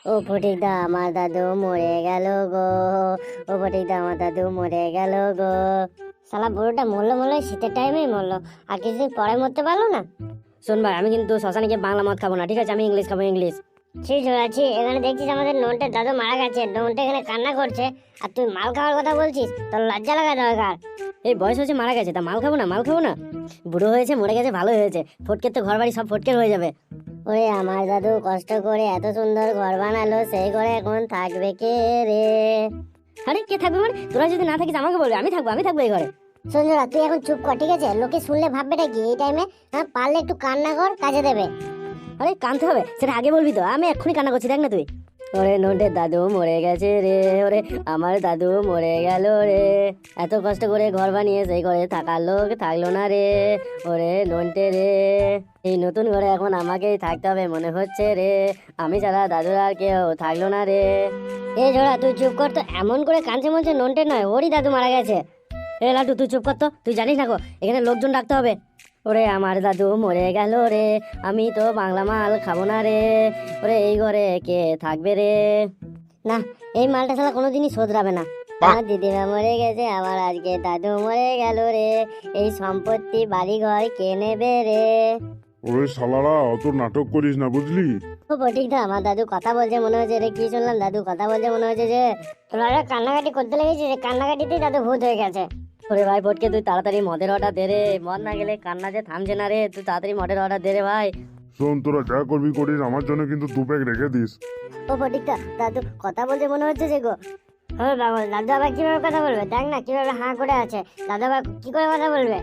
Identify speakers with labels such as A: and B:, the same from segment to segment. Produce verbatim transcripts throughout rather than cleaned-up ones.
A: ও ফটিকদা, আমার দাদু মরে গেল গো। ও ফটিকদা, আমার দাদু মরে গেল গো। শালা বুড়োটা মরলো মরলো শীতের টাইমেই মরলো, আর কিছুদিন পরে মরতে পারলো না।
B: শোন ভাই, আমি কিন্তু শ্মশানে গিয়ে বাংলা মদ খাবো না, ঠিক আছে? আমি ইংলিশ খাবো, ইংলিশ।
A: ঠিক আছে, এখানে দেখছিস আমাদের নন্টের দাদু মারা গেছে, নন্টে এখানে কান্না করছে, আর তুই মাল খাওয়ার কথা বলছিস? তোর লজ্জা লাগা দরকার।
B: এই বয়স হয়েছে, মারা গেছে, তা মাল খাবো না? মাল খাবো না? বুড়ো হয়েছে, মরে গেছে, ভালো হয়েছে। ফটকের তো ঘর বাড়ি সব ফটকের হয়ে যাবে।
A: ওরে আমার দাদু কষ্ট করে এত সুন্দর ঘর বানালো, সেই ঘরে এখন থাকবে কে রে?
B: আরে কে থাকবে মানে? তোরা যদি না থাকিস আমাকে বলবে, আমি থাকবো, আমি থাকবো এই ঘরে।
A: সঞ্জনা, তুই এখন চুপ কর, ঠিক আছে? লোকে শুনলে ভাববেটা কি এই টাইমে? হ্যাঁ, পারলে একটু কান্না কর, কাজে দেবে।
B: আরে কানতে হবে, সেটা আগে বলবি তো। আমি এক্ষুনি কান্না করছি, দেখ না তুই। ওরে নন্টের দাদু মরে গেছে রে, ওরে আমার দাদু মরে গেল রে। এত কষ্ট করে ঘর বানিয়ে সেই ঘরে থাকার লোক থাকলো না রে। ওরে নন্টে রে, এই নতুন ঘরে এখন আমাকেই থাকতে হবে মনে হচ্ছে রে। আমি ছাড়া দাদুর আর কেউ থাকলো না রে।
A: এ ঝোড়া, তুই চুপ কর তো। এমন করে কাঁদছে মনে হচ্ছে নন্টে নয়, ওরই দাদু মারা গেছে।
B: এ লাটু, তুই চুপ কর তো। তুই জানিস না গো, এখানে লোকজন ডাকতে হবে। ওরে আমার দাদু মরে গেল রে, আমি তো বাংলা মাল খাবো না রে। ওরে এই ঘরে কে থাকবে রে?
A: না, এই মালটা শালা কোনোদিনই শোধরাবে না। আমার দিদিমা মরে গেছে, আমার আজকে দাদু মরে গেল রে। এই সম্পত্তি বাড়ি ঘর কে নেবে রে?
C: ওরে শালারা, অত নাটক করিস না, বুঝলি?
A: ও ফটিকদা, আমার দাদু কথা বলছে মনে হচ্ছে রে। কি শুনলাম? দাদু কথা বলছে মনে হচ্ছে যে তোরা কান্নাকাটি করতে লেগেছে, যে কান্নাকাটিতেই দাদু ভূত হয়ে গেছে।
B: ওরে ভাই ফটকে, তুই তাড়াতাড়ি মদের অর্ডার দে রে। মদ না গেলে কান্না যে থামছে না রে। তুই তাড়াতাড়ি মদের অর্ডার দে রে ভাই।
C: শোন, তোরা যা করবি করিস, আমার জন্য কিন্তু দু প্যাক রেখে দিস।
A: ও ফটিকদা, দাদু কথা বলছে মনে হচ্ছে যে গো। হ্যাঁ বাবা, দাদু আবার কিভাবে কথা বলবে? দেখ না কিভাবে হাঁ করে আছে। দাদু আবার কি করে কথা বলবে?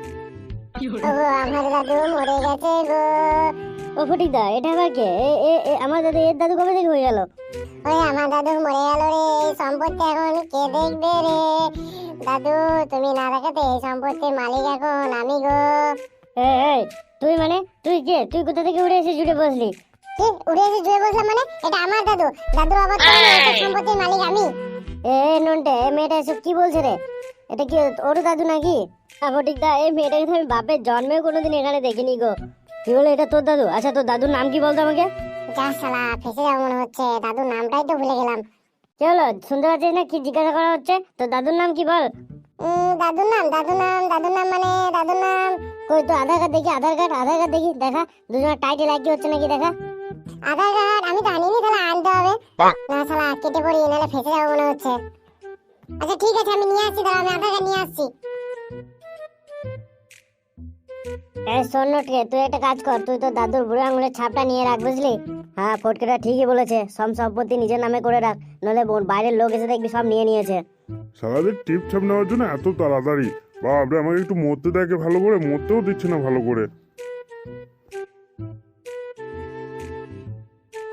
A: আমার দাদু মরে গেছে গো। ও ফটিকদা, এটা আবার কে? এ- এ- এ, আমার দাদু, এর দাদু কবে থেকে হয়ে গেল? ওই আমার দাদু মরে গেল রে। এই সম্পত্তি এখন কে দেখবে রে? দাদু, তুমি না দেখাতে এই সম্পত্তির মালিক এখন আমি গো। এই, তুই মানে তুই কে? তুই কোথা থেকে উড়ে এসে জুড়ে বসলি? কি উড়ে এসে জুড়ে বসলাম মানে? এটা আমার দাদু। দাদুর বাবা তো এই সম্পত্তির মালিক আমি। এ নন্টে, এ মেয়েটা এসব কি বলছে রে? এটা কি ওর দাদু নাকি? ফটিকদা, এই মেয়েটাকে তো আমি বাপের জন্মেও কোনোদিন এখানে দেখিনি গো। কি বলে এটা তোর দাদু? আচ্ছা, তোর দাদুর নাম কি বলতো আমাকে? যা শালা, ফেসে যাবো মনে হচ্ছে। দাদুর নামটাই তো ভুলে গেলাম। কি হলো, শুনতে পাচ্ছিস না কি জিজ্ঞাসা করা হচ্ছে? তোর দাদুর নাম কি বল? দাদুর নাম দাদুর নাম দাদুর নাম মানে দাদুর নাম কই? তো আধার কার্ড দেখি, আধার কার্ড আধার কার্ড দেখি, দেখা দুজনের টাইটেল একই হচ্ছে নাকি দেখা। আধার কার্ড আমি তো আনিনি, তাহলে আনতে হবে। না শালা, কেটে পড়ি, নাহলে ফেসে যাবো মনে হচ্ছে। আচ্ছা ঠিক আছে, আমি নিয়ে আসছি, দাঁড়া, আমি আধার কার্ড নিয়ে আসছি। এই শোন নটকে, তুই একটা কাজ কর, তুই তো দাদুর বুড়ো আঙুলের ছাপটা নিয়ে রাখ, বুঝলি?
B: হ্যাঁ, ফটকেটা ঠিকই বলেছে। সব সম্পত্তি নিজের নামে করে রাখ, নলে বাইরের লোক এসে দেখবি সব নিয়ে নিয়েছে।
C: সারাদিন টিপ ছাপ নেওয়ার জন্য এত তাড়াতাড়ি? বাপরে, আমাকে একটু মরতে দেখে ভালো করে, মরতেও দিচ্ছে না ভালো করে।